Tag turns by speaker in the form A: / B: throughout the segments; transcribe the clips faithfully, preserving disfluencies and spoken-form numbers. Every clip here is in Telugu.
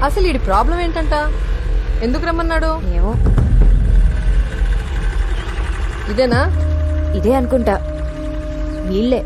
A: అసలు ఈ ప్రాబ్లం ఏంటంట? ఎందుకు రమ్మన్నాడు?
B: ఏమో,
A: ఇదేనా?
B: ఇదే అనుకుంటా. వీళ్ళే.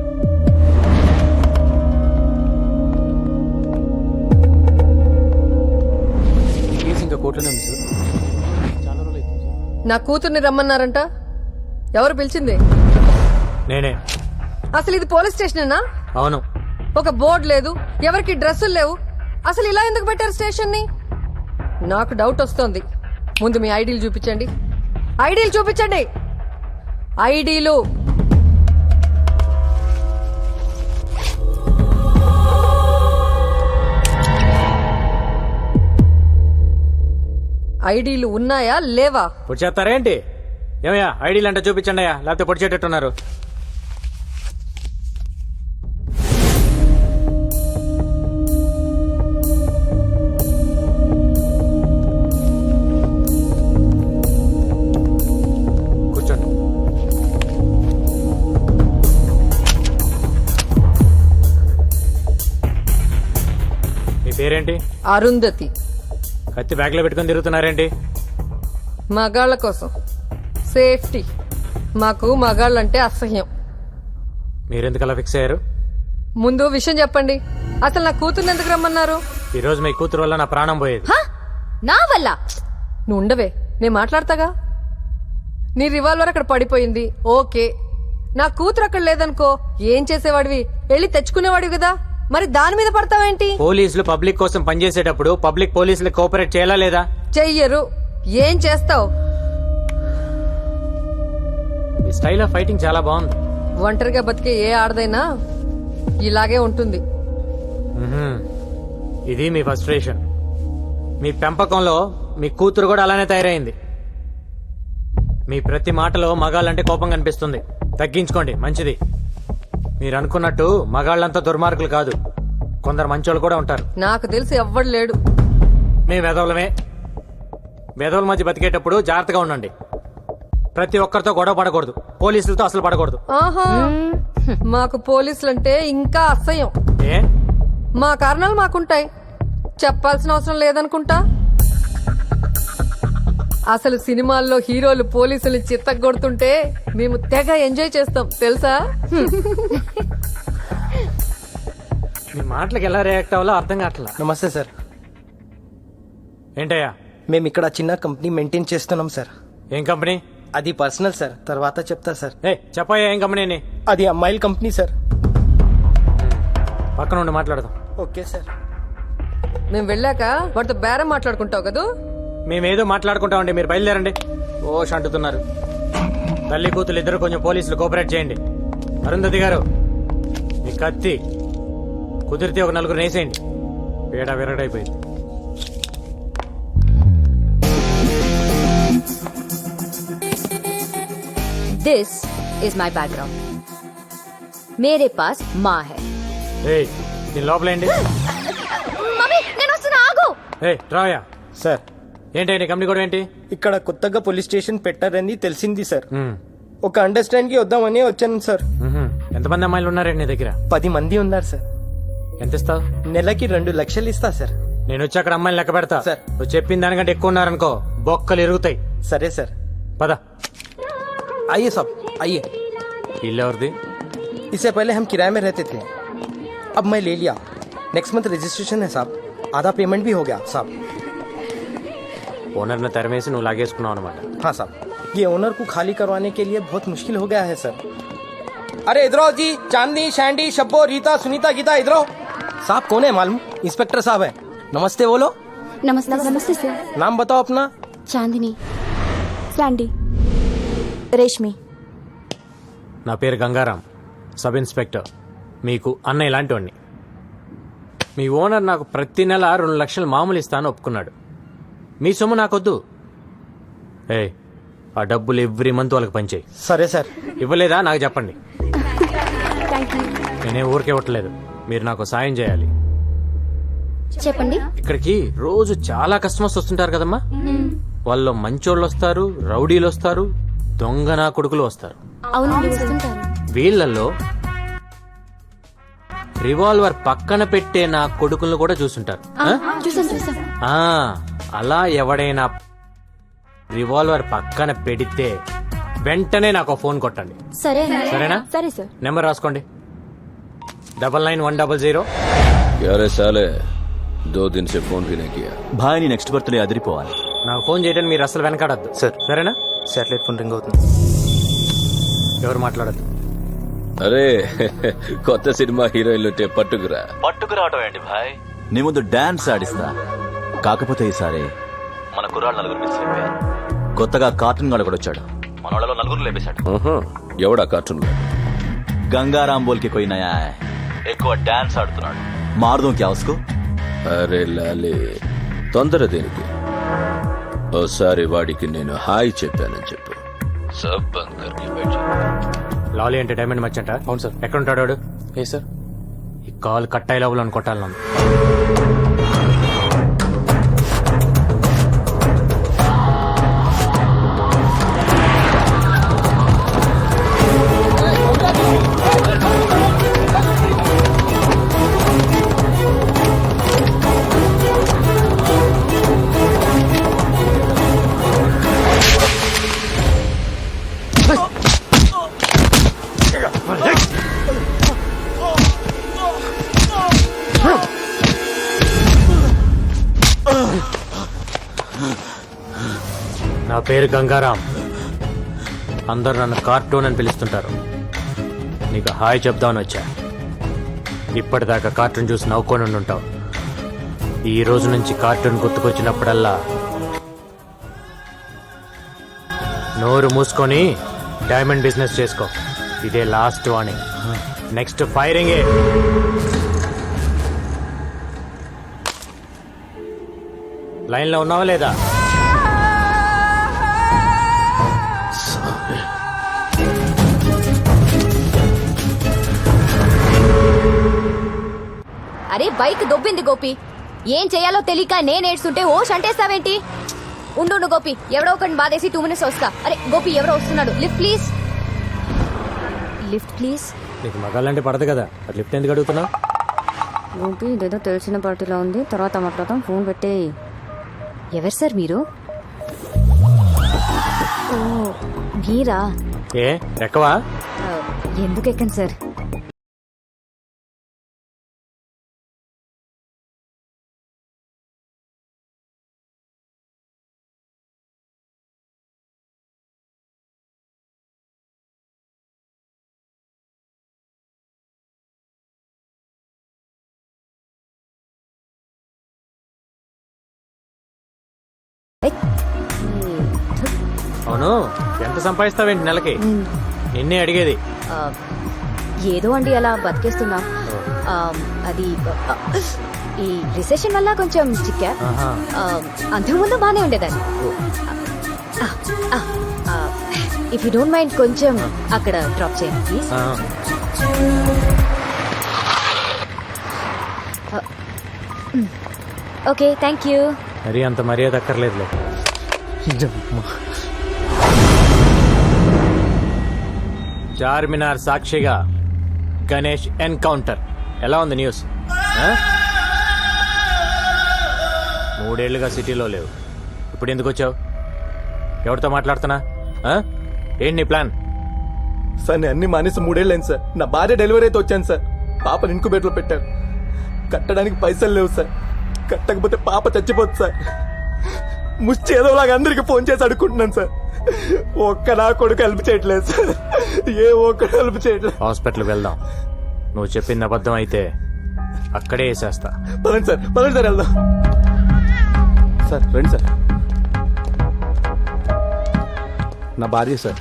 C: ఇంకా కోర్టులోనే ఉంది సార్. చాలా రోజులు అవుతుంది సార్.
A: నా కూతుర్ని రమ్మన్నారంట. ఎవరు పిలిచింది?
C: నేనే.
A: అసలు ఇది పోలీస్ స్టేషనేనా?
C: అవును.
A: ఒక బోర్డు లేదు, ఎవరికి డ్రెస్సులు లేవు. అసలు ఇలా ఎందుకు పెట్టారు స్టేషన్ ని? నాకు డౌట్ వస్తోంది. ముందు మీ ఐడీలు చూపించండి. ఐడీలు చూపించండి. ఐడీలు. ఐడీలు ఉన్నాయా లేవా?
C: పొడి చేస్తారేంటి? ఏమయ్యా ఐడీలు అంటే చూపించండి అయ్యా, లేకపోతే పొడి చేటట్టున్నారు. కూర్చోండి. మీ పేరేంటి?
A: అరుంధతి.
C: కత్తి బ్యాగ్ లో పెట్టుకుని తిరుగుతున్నారేంటి?
A: మగాళ్ళ కోసం సేఫ్టీ. మాకు మగాళ్ళంటే అసహ్యం.
C: మీరెందుకు అలా ఫిక్స్ అయ్యారు?
A: ముందు విషయం చెప్పండి. అసలు నా కూతుర్ని ఎందుకు రమ్మన్నారు?
C: ఈ రోజు మీ కూతురు వల్ల నా ప్రాణం పోయేది.
B: హ? నా వల్ల?
A: నువ్వు ఉండవే, నేను మాట్లాడతాగా. నీ రివాల్వర్ అక్కడ పడిపోయింది, ఓకే. నా కూతురు అక్కడ లేదనుకో, ఏం చేసేవాడివి? వెళ్ళి తెచ్చుకునేవాడివి కదా, మరి దాని మీద పడతావేంటి?
C: పోలీసులు పబ్లిక్ కోసం పనిచేసేటప్పుడు పబ్లిక్ పోలీసులు కోఆపరేట్ చేయాలా లేదా?
A: చెయ్యరు. ఏం చేస్తావు?
C: మీ స్టైల్ ఆఫ్ ఫైటింగ్ చాలా బాగుంది.
A: ఒంటరిగా బతికే ఏ ఆడదైనా ఇలాగే ఉంటుంది.
C: మ్మ్హ్మ్. ఇది మీ ఫ్రస్ట్రేషన్. మీ పెంపకంలో మీ కూతురు కూడా అలానే తయారైంది. మీ ప్రతి మాటలో మగాళ్ళంటే కోపం కనిపిస్తుంది. తగ్గించుకోండి, మంచిది. మీరు అనుకున్నట్టు మగాళ్ళంతా దుర్మార్గులు కాదు, కొందరు మంచోళ్ళు కూడా ఉంటారు.
A: నాకు తెలిసి ఎవ్వడు లేడు.
C: మేము వెధవులమే. వెధవుల మధ్య బతికేటప్పుడు జాగ్రత్తగా ఉండండి. ప్రతి ఒక్కరితో గొడవ పడకూడదు, పోలీసులతో అసలు పడకూడదు.
A: ఆహా, మాకు పోలీసులంటే ఇంకా అసహ్యం.
C: ఏ?
A: మా కారణాలు మాకుంటాయి, చెప్పాల్సిన అవసరం లేదనుకుంటా. అసలు సినిమాల్లో హీరోలు పోలీసులు చిత్తగొడుతుంటే మేము తెగ ఎంజాయ్ చేస్తాం తెలుసా?
C: మీ మాటలకు ఎలా రియాక్ట్ అవ్వాలో అర్థం కావట్లా.
D: నమస్తే సార్.
C: ఏంటయ్యా?
D: మేము ఇక్కడ చిన్న కంపెనీ మెయింటైన్ చేస్తున్నాం సార్.
C: ఏం కంపెనీ?
D: అది పర్సనల్ సార్, తర్వాత చెప్తా సార్.
C: ఏ చెప్పయ్యా, ఏం కంపెనీని?
D: అది అమ్మాయిల కంపెనీ సార్.
C: పక్కన ఉండి మాట్లాడదాం.
D: Okay sir.
A: మేము వెళ్ళాక వాటితో బేరం మాట్లాడుకుంటావు కదా.
C: మేమేదో మాట్లాడుకుంటామండి, మీరు బయలుదేరండి. ఓ అంటుతున్నారు. తల్లి కూతురు ఇద్దరు కొంచెం పోలీసులు కోఆపరేట్ చేయండి. అరుంధతి గారు, మీ కత్తి కుదిరితే ఒక నలుగురు వేసేయండి. పేడ విరగడైపోయింది.
B: This is my background. मेरे पास माँ है.
C: ఏయ్, దీని లోపలేండి.
B: మమ్మీ, నేను వస్తున్నా, ఆగు.
C: ఏ రాయా.
D: సార్,
C: ఏంటండి కంపెనీ కూడా ఏంటి?
D: ఇక్కడ కొత్తగా పోలీస్ స్టేషన్ పెట్టారని తెలిసింది సార్.
C: మ్మ్.
D: ఒక అండర్స్టాండ్ కి వద్దామని వచ్చాను సార్.
C: మ్మ్హ్మ్. ఎంతమంది అమ్మాయిలు ఉన్నారండి నీ దగ్గర?
D: పది మంది ఉన్నారు సార్.
C: ఎంత ఇస్తావు?
D: నెలకి రెండు లక్షలు ఇస్తా సార్.
C: నేను వచ్చి అక్కడ అమ్మాయిలు లెక్క పెడతా
D: సార్.
C: నువ్వు చెప్పిన దానికంటే ఎక్కువ ఉన్నారనుకో బొక్కలు ఎరుగుతాయి.
D: సరే సార్.
C: పద.
D: आइए साहब, आइए.
C: ఇల్లు ఎవరిది?
D: इससे पहले हम किराए में रहते थे, अब मैं ले लिया. नेक्स्ट मंथ रजिस्ट्रेशन है साहब. आधा पेमेंट भी हो गया साहब.
C: ఓనర్ ని తరిమేసి నువ్వు లాగేసుకున్నావు అనమాట.
D: हाँ साहब, ये ओनर को खाली करवाने के लिए बहुत मुश्किल हो गया है सर. अरे इधर आओ जी. चांदनी, शैंडी, शब्बो, रीता, सुनीता, गीता, इधर आओ. साहब कौन है मालूम? इंस्पेक्टर साहब है. नमस्ते बोलो.
E: नमस्ते नमस्ते सर.
D: नाम बताओ अपना.
E: चांदनी, सैंडी, రేష్మి.
C: నా పేరు గంగారాం, సబ్ ఇన్స్పెక్టర్. మీకు అన్న ఇలాంటివాడిని. మీ ఓనర్ నాకు ప్రతి నెల రెండు లక్షలు మామూలు ఇస్తాను ఒప్పుకున్నాడు. మీ సొమ్ము నాకొద్దు. ఏ ఆ డబ్బులు ఎవ్రీ మంత్ వాళ్ళకి పంచేయి.
D: సరే సార్.
C: ఇవ్వలేదా నాకు చెప్పండి.
E: Thank you.
C: నేనే ఊరికే ఇవ్వట్లేదు, మీరు నాకు సాయం చేయాలి.
E: చెప్పండి.
C: ఇక్కడికి రోజు చాలా కస్టమర్స్ వస్తుంటారు కదమ్మా. వాళ్ళు మంచోళ్ళు వస్తారు, రౌడీలు వస్తారు, దొంగ నా కొడుకులు వస్తారు.
E: అవునండి, వస్తుంటారు.
C: వీళ్ళల్లో రివాల్వర్ పక్కన పెట్టే నా కొడుకులను కూడా చూసుంటారు ఆ?
E: చూసాం చూసాం
C: ఆ, అలా ఎవడైనా రివాల్వర్ పక్కన పెడితే వెంటనే నాకు ఒక ఫోన్ కొట్టండి
E: సరే
C: సరేనా?
E: సరే సార్
C: నెంబర్ రాసుకోండి double nine one double zero
F: क्या रे साले दो दिन से फोन भी नहीं किया
G: భాయ్ నీ నెక్స్ట్ బర్త్డే అదిరిపోవాలి.
C: నాకు ఫోన్ చేయడానికి మీరు అసలు వెనకాడద్దు
D: సార్.
C: సరేనా?
D: శాటిలైట్ ఫోన్ రింగ్ అవుతుంది.
C: ఎవరు మాట్లాడద్దు.
F: అరే కొత్త సినిమా హీరోయిన్లు ఉంటే పట్టుకురా.
G: పట్టుకు రావటం ఏంటి భాయ్, నీ ముందు డాన్స్ ఆడిస్తా. కాకపోతే ఈసారి మన కుర్రాళ్ళు నలుగురు మిస్ అయిపోయారు. కొత్తగా కార్టూన్ గాడు కూడా వచ్చాడు, మన వాళ్ళలో నలుగురు లేపేశాడు.
F: ఆహా, ఎవడా కార్టూన్ లో?
G: గంగారాం బోల్కి పోయి నయా ఎక్కువ డాన్స్ ఆడుతున్నాడు. మారుదాం క్యా ఉస్కో?
F: అరే లాలే తొందర దేనికి? ఓసారి వాడికి నేను హాయ్ చెప్పానని చెప్పు. సబ్ బంద్ కర్కే బైఠ జా.
C: లాలీ అంటే డైమండ్ మర్చెంటా?
D: అవును సార్.
C: ఎక్కడ ఉంటాడు వాడు?
D: ఏ సార్?
C: ఈ కాల్ కట్ అయ్యే లోపల కొట్టాలను. నా పేరు గంగారాం, అందరు నన్ను కార్టూన్ అని పిలుస్తుంటారు. నీకు హాయ్ చెప్దామని వచ్చా. ఇప్పటిదాకా కార్టూన్ చూసి నవ్వుకొని ఉంటావు. ఈ రోజు నుంచి కార్టూన్ గుర్తుకొచ్చినప్పుడల్లా నోరు మూసుకొని డైమండ్ బిజినెస్ చేసుకో. ఇదే లాస్ట్ వార్నింగ్. నెక్స్ట్ ఫైరింగే. లైన్లో ఉన్నావా లేదా?
B: అరే బైక్ దొబ్బింది గోపి, ఏం చేయాలో తెలియక నేను ఏడ్చుంటే ఓ షంటేస్తావేంటి? ఉండు ఉండు గోపి, ఎవడో ఒకటి బాధేసి టూ మినిట్స్ వస్తా. అరే గోపి ఎవరో వస్తున్నాడు, లిఫ్ట్ ప్లీజ్. Lift please.
C: నీకు మగాళ్ళంటే పడదు కదా, అది లిఫ్ట్ ఎందుకు అడుగుతున్నావు?
B: గోపి ఇదేదో తెలిసిన పార్టీలో ఉంది, తర్వాత మాట్లాడతాం, ఫోన్ పెట్టే. ఎవరు సార్ మీరు? ఓ మీరా?
C: ఏ ఎక్కవా?
B: ఆ, ఎందుకు ఎక్కండి సార్.
C: అవును, ఎంత సంపాదిస్తావేంటి నెలకి? నిన్నే అడిగేది.
B: ఆ, ఏదో అండి అలా బతికేస్తున్నా. ఆ, అది ఆ, ఈ రిసెషన్ వల్ల కొంచెం చిక్కా.
C: ఆహా.
B: ఆ, అంతకుముందు బాగానే ఉండేదాన్ని. ఇఫ్ యూ డోంట్ మైండ్ కొంచెం అక్కడ డ్రాప్ చేయండి ప్లీజ్.
C: ఆ,
B: ఓకే థ్యాంక్ యూ.
C: మరీ అంత మర్యాద అక్కర్లేదులే. చార్మినార్ సాక్షిగా గణేష్ ఎన్కౌంటర్ ఎలా ఉంది న్యూస్? ఆ? మూడేళ్లుగా సిటీలో లేవు, ఇప్పుడు ఎందుకు వచ్చావు? ఎవరితో మాట్లాడుతున్నా? ఆ? ఏంటి నీ ప్లాన్?
H: సార్ నేను అన్ని మానేసి మూడేళ్ళైంది సార్. నా భార్య డెలివరీ అయితే వచ్చాను సార్. పాపని ఇంకుబేట్లో పెట్టారు. కట్టడానికి పైసలు లేవు సార్. కట్టకపోతే పాప చచ్చిపోతుంది సార్. ముష్టి ఏదోలాగా అందరికి ఫోన్ చేసి అడుక్కుంటున్నాను సార్. ఒక్క నా కొడుకు హెల్ప్ చేయట్లేదు సార్. ఏ ఒక్కడు హెల్ప్ చేయట్లేదు.
C: హాస్పిటల్కి వెళ్దాం. నువ్వు చెప్పింది అబద్ధం అయితే అక్కడే వేసేస్తా.
H: పదండి సార్, పదండి సార్ వెళ్దాం. సార్ రండి సార్. నా భార్య సార్.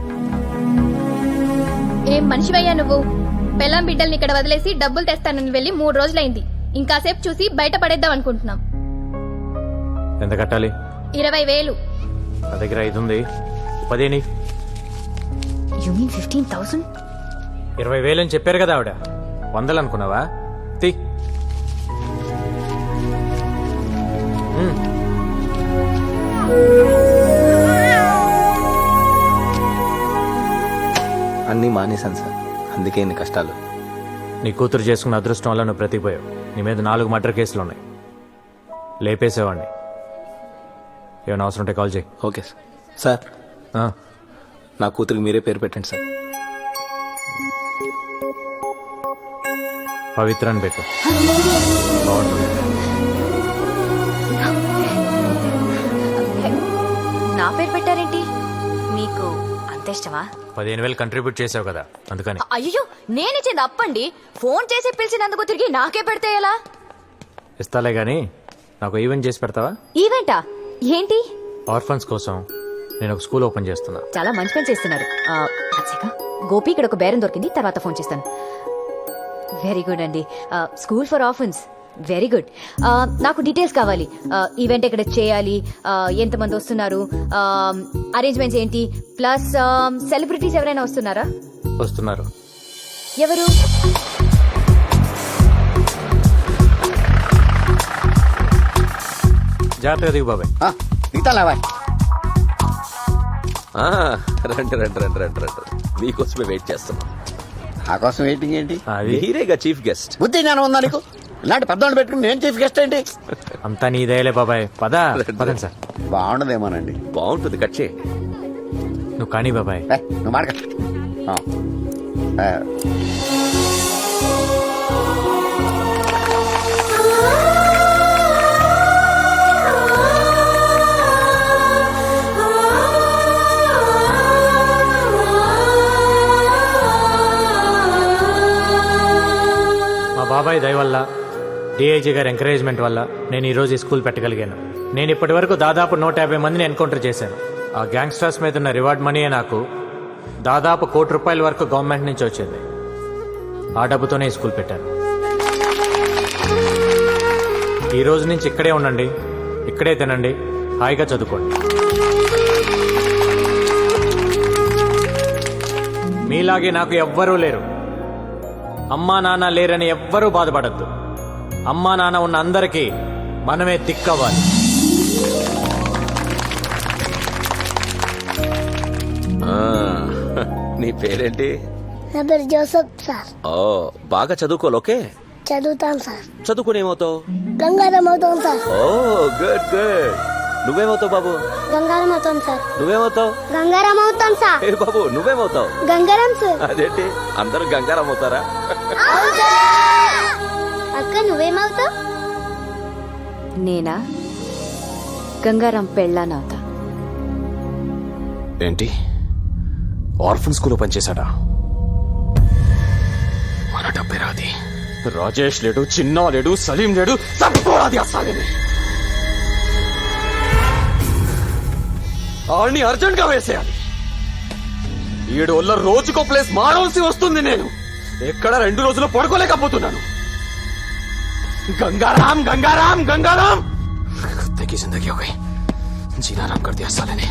I: ఏం మనిషివయ్యా నువ్వు? పెళ్ళాం బిడ్డల్ని ఇక్కడ వదిలేసి డబ్బులు తెస్తానని వెళ్ళి మూడు రోజులైంది. ఇంకాసేపు చూసి బయట పడేద్దాం అనుకుంటున్నాం.
C: ఎంత కట్టాలి?
I: ఇరవై వేలు.
C: నా దగ్గర ఐదు ఉంది, పదేని.
B: You mean fifteen thousand?
C: ఇరవై వేలు అని చెప్పారు కదా ఆవిడ. వందలు అనుకున్నావా? తీ. ఉమ్.
D: అన్నీ మానేశాను సార్, అందుకే ఇన్ని కష్టాలు.
C: నీ కూతురు చేసుకున్న అదృష్టం వల్ల నువ్వు బ్రతికిపోయావు. నీ మీద నాలుగు మర్డర్ కేసులు ఉన్నాయి. లేపేసేవాడిని. ఏమైనా అవసరం ఉంటే కాల్ చేయి.
D: Okay sir. సార్
C: ఆ,
D: నా కూతురికి మీరే పేరు పెట్టండి సార్.
C: పవిత్ర అని పెట్టు. బాగుంటుంది.
B: నా పేరు పెట్టారేంటి? మీకు అంత ఇష్టమా?
C: పదిహేను వేలు కంట్రిబ్యూట్ చేసావు కదా అందుకని.
B: అయ్యో నేనిచ్చింది అప్పండి. ఫోన్ చేసి పిలిచినందుకు తిరిగి నాకే పెడితే ఎలా?
C: ఇస్తాలే గానీ నాకు ఈవెంట్ చేసి పెడతావా?
B: ఈవెంటా? ఏంటి?
C: ఆర్ఫన్స్ కోసం నేను ఒక స్కూల్ ఓపెన్ చేస్తున్నా.
B: చాలా మంచి పని చేస్తున్నారు. ఆ, అచ్చగా. గోపి ఇక్కడ ఒక బేరం దొరికింది, తర్వాత ఫోన్ చేస్తాను. వెరీ గుడ్ అండి. School for orphans, very good. నాకు డీటెయిల్స్ కావాలి. ఈవెంట్ ఎక్కడ చేయాలి, ఆ, ఎంతమంది వస్తున్నారు, అరేంజ్మెంట్స్ ఏంటి, ప్లస్ సెలబ్రిటీస్ ఎవరైనా వస్తున్నారా?
C: వస్తున్నారు.
B: ఎవరు?
C: జాగ్రత్తగా దిగు బాబాయ్.
F: ఆ, రండి రండి రండి రండి రండి మీకోసమే వెయిట్ చేస్తున్నాం.
J: నా కోసం వెయిటింగ్ ఏంటి?
C: అది
F: మీరేగా చీఫ్ గెస్ట్.
J: బుద్ధి జ్ఞానం ఉందా నీకు? ఇలాంటి పెద్దవాళ్ళు పెట్టుకుని నేను చీఫ్ గెస్ట్ ఏంటి?
C: అంతా నీ దయలే బాబాయ్. పద పదండి సార్.
J: బాగుండదేమోనండి.
F: బాగుంటుంది, కట్ చేయి.
C: నువ్వు కానీ బాబాయ్.
J: ఏ, నువ్వు మాడక. ఆ. ఆ.
C: మా బాబాయ్ దయ వల్ల, డిఐజీ గారి ఎంకరేజ్మెంట్ వల్ల నేను ఈ రోజు ఈ స్కూల్ పెట్టగలిగాను. నేను ఇప్పటి వరకు దాదాపు నూట యాభై మందిని ఎన్కౌంటర్ చేశాను. ఆ గ్యాంగ్స్టర్స్ మీద ఉన్న రివార్డ్ మనీయే నాకు దాదాపు కోటి రూపాయల వరకు గవర్నమెంట్ నుంచి వచ్చింది. ఆ డబ్బుతోనే ఈ స్కూల్ పెట్టాను. ఈ రోజు నుంచి ఇక్కడే ఉండండి, ఇక్కడే తినండి, హాయిగా చదువుకోండి. మీలాగే నాకు ఎవ్వరూ లేరు. అమ్మా నాన్న లేరని ఎవ్వరూ బాధపడద్దు. అమ్మా నాన్న ఉన్న అందరికీ మనమే దిక్కవ్వాలి.
F: ఆ, నీ పేరేంటి?
E: నా పేరు జోసఫ్ సార్.
F: ఓ, బాగా చదువుకోవాలి. ఓకే,
E: చదువుతాను సార్.
F: చదువుకుని ఏమవుతావు?
E: గంగారం అవుతాం సార్.
F: Oh good good. నువ్వేమవుతావు బాబు?
E: గంగారం అవుతాం సార్.
F: నువ్వేమవుతావు?
E: గంగారం అవుతాం సార్.
F: ఏ బాబు నువ్వేమవుతావు?
E: గంగారం సార్.
F: అదేంటి అందరూ గంగారం అవుతారా?
E: అక్క నువ్వేమవుతావు?
B: నేనా? గంగారాం పెళ్ళానవుతా.
H: ఏంటి ఆర్ఫన్ స్కూల్లో పనిచేశాడా? మన డబ్బే రాది. రాజేష్ లేడు, చిన్నా లేడు, సలీం లేడు, తప్పుకోరాది అసలు. ఆడిని అర్జెంట్ గా వేసేయాలి. ఏడు వల్ల రోజుకో ప్లేస్ మారవలసి వస్తుంది. నేను ఎక్కడ రెండు రోజులు పడుకోలేకపోతున్నాను. गंगाराम गंगाराम गंगाराम कुत्ते की जिंदगी हो गई. जीना आराम कर दिया साले ने.